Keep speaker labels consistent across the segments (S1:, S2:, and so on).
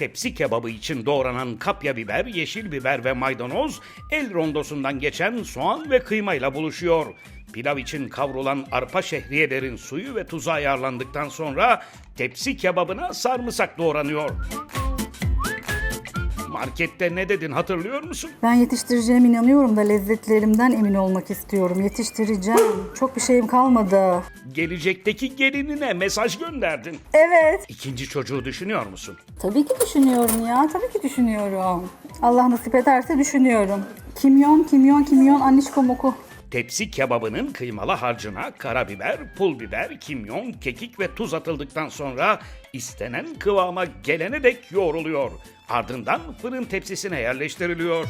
S1: Tepsi kebabı için doğranan kapya biber, yeşil biber ve maydanoz el rondosundan geçen soğan ve kıymayla buluşuyor. Pilav için kavrulan arpa şehriyelerin suyu ve tuzu ayarlandıktan sonra tepsi kebabına sarımsak doğranıyor. Markette ne dedin hatırlıyor musun?
S2: Ben yetiştireceğime inanıyorum da lezzetlerimden emin olmak istiyorum. Yetiştireceğim. Çok bir şeyim kalmadı.
S1: Gelecekteki gelinine mesaj gönderdin.
S2: Evet.
S1: İkinci çocuğu düşünüyor musun?
S2: Tabii ki düşünüyorum ya. Tabii ki düşünüyorum. Allah nasip ederse düşünüyorum. Kimyon, annişkom oku.
S1: Tepsi kebabının kıymalı harcına karabiber, pul biber, kimyon, kekik ve tuz atıldıktan sonra istenen kıvama gelene dek yoğruluyor. Ardından fırın tepsisine yerleştiriliyor.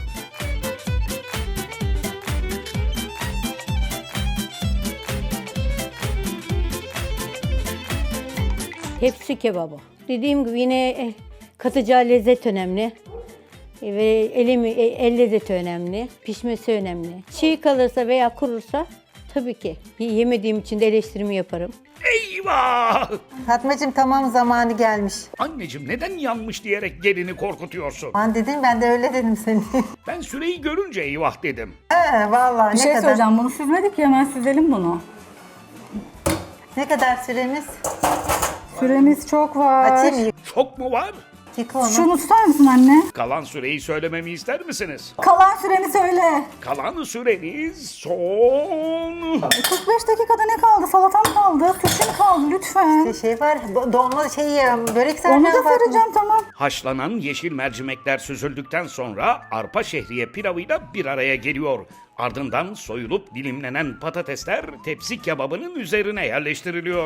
S3: Tepsi kebabı. Dediğim gibi yine katacağı lezzet önemli. Ve el lezzeti önemli. Pişmesi önemli. Çiğ kalırsa veya kurursa tabii ki yemediğim için de eleştirimi yaparım.
S1: Eyvah!
S4: Fatmacığım tamam zamanı gelmiş.
S1: Anneciğim neden yanmış diyerek gelini korkutuyorsun?
S4: Ben dedim ben de öyle dedim seni.
S1: Ben süreyi görünce eyvah dedim.
S4: Vallahi
S2: Bir
S4: ne
S2: şey
S4: kadar
S2: söyleyeceğim. Bunu süzmedik ya, hemen süzelim bunu.
S4: ne kadar süremiz?
S2: Süremiz çok var.
S4: Açayım mı?
S1: Çok mu var?
S4: Yıka onu.
S2: Şunu tutar mısın anne?
S1: Kalan süreyi söylememi ister misiniz?
S2: Kalan süremi söyle.
S1: Kalan süreniz son...
S2: 45 dakikada ne kaldı? Salatam kaldı. Suşim kaldı lütfen.
S4: Bir şey var. Dolma börek
S2: Onu
S4: saracağım
S2: da
S4: Fatma.
S2: saracağım, tamam.
S1: Haşlanan yeşil mercimekler süzüldükten sonra arpa şehriye pilavıyla bir araya geliyor. Ardından soyulup dilimlenen patatesler tepsi kebabının üzerine yerleştiriliyor.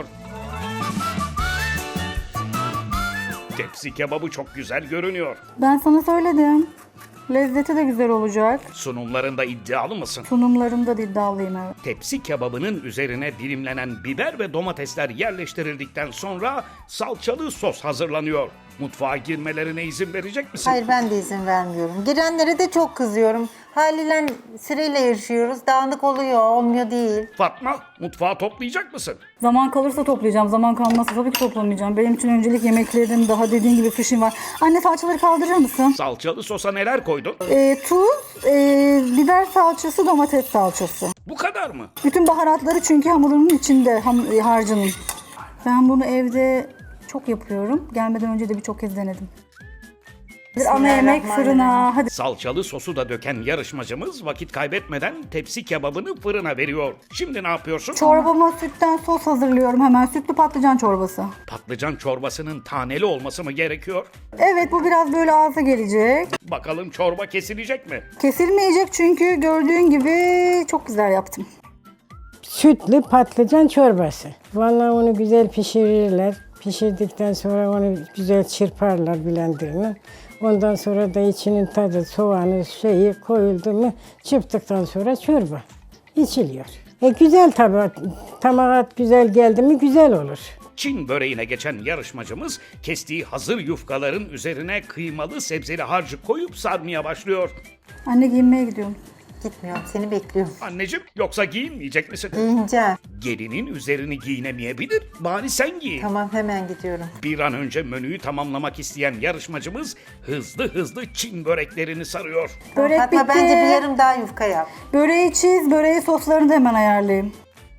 S1: Tepsi kebabı çok güzel görünüyor.
S2: Ben sana söyledim. Lezzeti de güzel olacak.
S1: Sunumlarında iddialı mısın?
S2: Sunumlarımda da iddialıyım, evet.
S1: Tepsi kebabının üzerine dilimlenen biber ve domatesler yerleştirildikten sonra salçalı sos hazırlanıyor. Mutfağa girmelerine izin verecek misin?
S4: Hayır ben de izin vermiyorum. Girenlere de çok kızıyorum. Haliyle süreyle yarışıyoruz. Dağınık oluyor, olmuyor değil.
S1: Fatma, mutfağı toplayacak mısın?
S2: Zaman kalırsa toplayacağım. Zaman kalmazsa tabii ki toplamayacağım. Benim için öncelik yemeklerim, daha dediğin gibi fişim var. Anne, salçaları kaldırır mısın?
S1: Salçalı sosa neler koydun?
S2: Tuz, biber salçası, domates salçası.
S1: Bu kadar mı?
S2: Bütün baharatları çünkü hamurunun içinde, harcının. Ben bunu evde çok yapıyorum. Gelmeden önce de birçok kez denedim. Ana yemek fırına. Hadi.
S1: Salçalı sosu da döken yarışmacımız vakit kaybetmeden tepsi kebabını fırına veriyor. Şimdi ne yapıyorsun?
S2: Çorbama sütten sos hazırlıyorum hemen. Sütlü patlıcan çorbası.
S1: Patlıcan çorbasının taneli olması mı gerekiyor?
S2: Evet, bu biraz böyle ağza gelecek.
S1: Bakalım çorba kesilecek mi?
S2: Kesilmeyecek çünkü gördüğün gibi çok güzel yaptım.
S5: Sütlü patlıcan çorbası. Vallahi onu güzel pişirirler. Pişirdikten sonra onu güzel çırparlar blenderına. Ondan sonra da içinin tadı, soğanı, koyuldu mu çırptıktan sonra çorba içiliyor. Güzel tabii, tamağa güzel geldi mi güzel olur.
S1: Çin böreğine geçen yarışmacımız kestiği hazır yufkaların üzerine kıymalı sebzeli harcı koyup sarmaya başlıyor.
S2: Anne, giyinmeye gidiyorum.
S4: Gitmiyorum, seni bekliyorum.
S1: Anneciğim, yoksa giyinmeyecek misin?
S4: Giyineceğim.
S1: Gelinin üzerini giyinemeyebilir, bari sen giyin.
S4: Tamam hemen gidiyorum.
S1: Bir an önce menüyü tamamlamak isteyen yarışmacımız hızlı Çin böreklerini sarıyor.
S2: Börek
S4: Fatma
S2: bitti.
S4: bence bir yarım daha yufka yap.
S2: Böreği çiz, böreği soslarını da hemen ayarlayayım.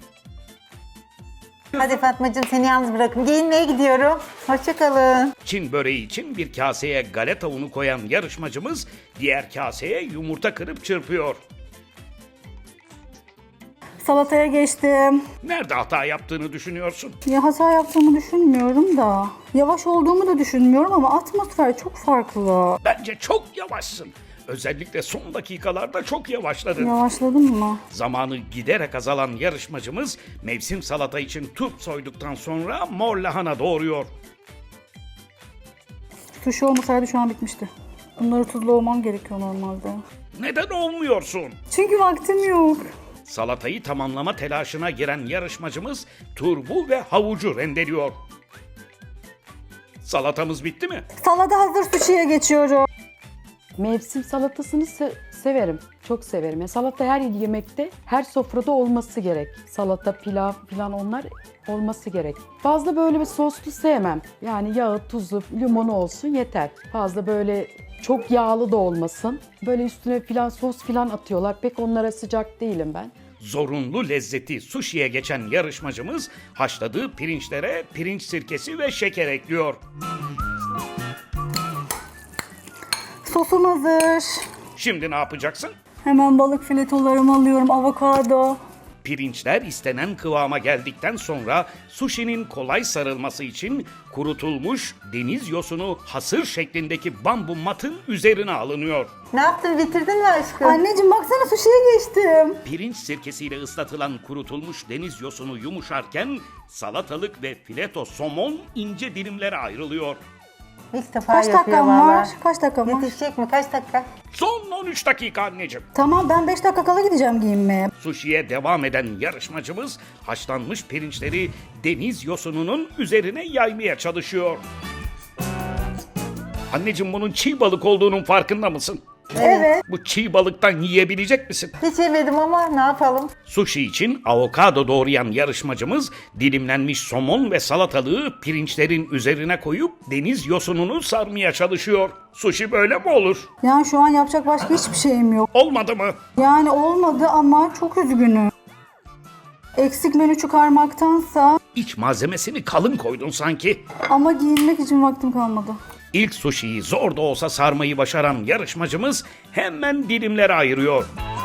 S4: Hadi Fatmacığım seni yalnız bırakın. Giyinmeye gidiyorum. Hoşçakalın.
S1: Çin böreği için bir kaseye galeta unu koyan yarışmacımız diğer kaseye yumurta kırıp çırpıyor.
S2: Salataya geçtim.
S1: Nerede hata yaptığını düşünüyorsun?
S2: Ya hata yaptığımı düşünmüyorum da. Yavaş olduğumu da düşünmüyorum ama atmosfer çok farklı.
S1: Bence çok yavaşsın. Özellikle son dakikalarda çok yavaşladın.
S2: Yavaşladım mı?
S1: Zamanı giderek azalan yarışmacımız mevsim salata için turp soyduktan sonra mor lahana doğuruyor.
S2: Sushi olmasaydı şu an bitmişti. Bunları tuzlu olmam gerekiyor normalde.
S1: Neden olmuyorsun?
S2: Çünkü vaktim yok.
S1: Salatayı tamamlama telaşına giren yarışmacımız turbu ve havucu rendeliyor. Salatamız bitti mi?
S2: Salata hazır, sushi'ye geçiyorum.
S6: Mevsim salatasını severim. Çok severim. Yani salata her yemekte, her sofrada olması gerek. Salata, pilav falan onlar olması gerek. Fazla böyle bir soslu sevmem. Yani yağı, tuzu, limonu olsun yeter. Fazla böyle çok yağlı da olmasın. Böyle üstüne filan sos filan atıyorlar. Pek onlara sıcak değilim ben.
S1: Zorunlu lezzeti suşiye geçen yarışmacımız haşladığı pirinçlere pirinç sirkesi ve şeker ekliyor.
S2: Sosum hazır.
S1: Şimdi ne yapacaksın?
S2: Hemen balık filetolarımı alıyorum. Avokado.
S1: Pirinçler istenen kıvama geldikten sonra suşinin kolay sarılması için kurutulmuş deniz yosunu hasır şeklindeki bambu matın üzerine alınıyor.
S4: Ne yaptın, bitirdin mi aşkım?
S2: Anneciğim baksana suşiye geçtim.
S1: Pirinç sirkesiyle ıslatılan kurutulmuş deniz yosunu yumuşarken salatalık ve fileto somon ince dilimlere ayrılıyor.
S4: İlk defa
S2: Kaç
S4: yapıyor
S2: dakikam
S4: valla.
S2: var? Kaç dakikam var?
S4: Yetişecek mi? Kaç dakika?
S1: Son 13 dakika anneciğim.
S2: Tamam ben 5 dakika kala gideceğim giyinmeye.
S1: Suşiye devam eden yarışmacımız haşlanmış pirinçleri deniz yosununun üzerine yaymaya çalışıyor. Anneciğim bunun çiğ balık olduğunun farkında mısın?
S2: Evet.
S1: Bu çiğ balıktan yiyebilecek misin?
S4: Hiç yemedim ama ne yapalım?
S1: Sushi için avokado doğrayan yarışmacımız dilimlenmiş somon ve salatalığı pirinçlerin üzerine koyup deniz yosununu sarmaya çalışıyor. Sushi böyle mi olur?
S2: Yani şu an yapacak başka hiçbir şeyim yok.
S1: Olmadı mı?
S2: Yani olmadı ama çok üzgünüm. Eksik menü çıkarmaktansa
S1: İç malzemesini kalın koydun sanki.
S2: ama giyinmek için vaktim kalmadı.
S1: İlk suşiyi zor da olsa sarmayı başaran yarışmacımız hemen dilimlere ayırıyor.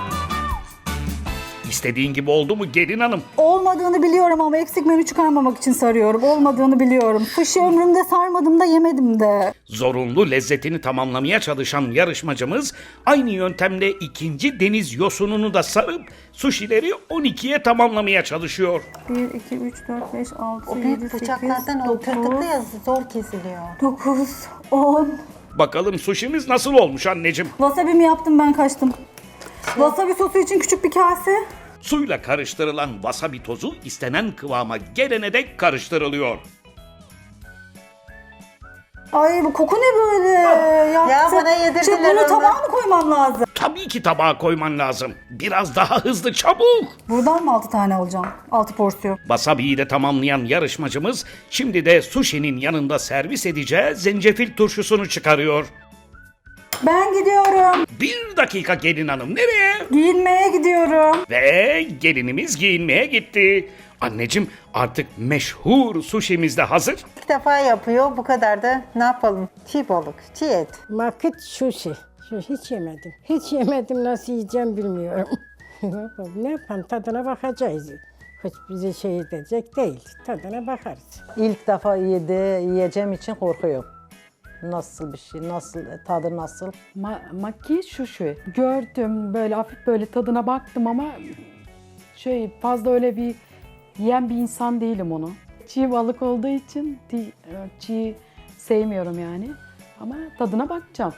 S1: İstediğin gibi oldu mu gelin hanım?
S2: Olmadığını biliyorum ama eksik menü çıkarmamak için sarıyorum. Olmadığını biliyorum. Fışı ömrümde sarmadım da yemedim de.
S1: Zorunlu lezzetini tamamlamaya çalışan yarışmacımız aynı yöntemle ikinci deniz yosununu da sarıp suşileri 12'ye tamamlamaya çalışıyor.
S2: 1, 2, 3, 4, 5, 6,
S4: O
S2: 7,
S4: büyük
S2: 8,
S4: bıçaklardan o
S2: 9,
S4: tırtıklı yazı zor kesiliyor.
S2: 9, 10.
S1: Bakalım suşimiz nasıl olmuş anneciğim?
S2: Wasabi'mi yaptım ben kaçtım. Wasabi sosu için küçük bir kase.
S1: Suyla karıştırılan wasabi tozu istenen kıvama gelene dek karıştırılıyor.
S2: Ay bu koku ne böyle? Yaptı.
S4: bana yedirdiler
S2: Şimdi bunu
S4: onu.
S2: tabağa mı koymam lazım?
S1: Tabii ki tabağa koyman lazım. Biraz daha hızlı çabuk.
S2: Buradan mı 6 tane alacağım? 6 porsiyon.
S1: Wasabi'yi de tamamlayan yarışmacımız şimdi de sushi'nin yanında servis edeceği zencefil turşusunu çıkarıyor.
S2: Ben gidiyorum.
S1: 1 dakika gelin hanım nereye?
S2: Giyinmeye gidiyorum.
S1: Ve gelinimiz giyinmeye gitti. Anneciğim artık meşhur sushi'miz de hazır.
S4: İlk defa yapıyor, bu kadar da ne yapalım? Çiğ balık, çiğ et.
S5: Makit sushi. Hiç yemedim. Hiç yemedim, nasıl yiyeceğim bilmiyorum. Ne yapalım, tadına bakacağız. Hiç bizi şey edecek değil. Tadına bakarız.
S7: İlk defa yiyeceğim için korkuyorum. Nasıl bir şey, nasıl, tadı nasıl?
S6: Maki şu. Gördüm böyle hafif böyle tadına baktım ama fazla öyle bir yiyen bir insan değilim onu. Çiğ balık olduğu için çiğ sevmiyorum yani. Ama tadına bakacağım.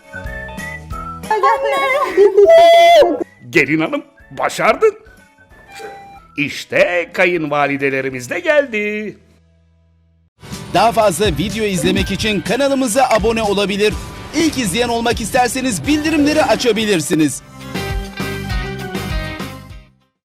S1: Gelin hanım başardın. İşte kayınvalidelerimiz de geldi.
S8: Daha fazla video izlemek için kanalımıza abone olabilir. İlk izleyen olmak isterseniz bildirimleri açabilirsiniz.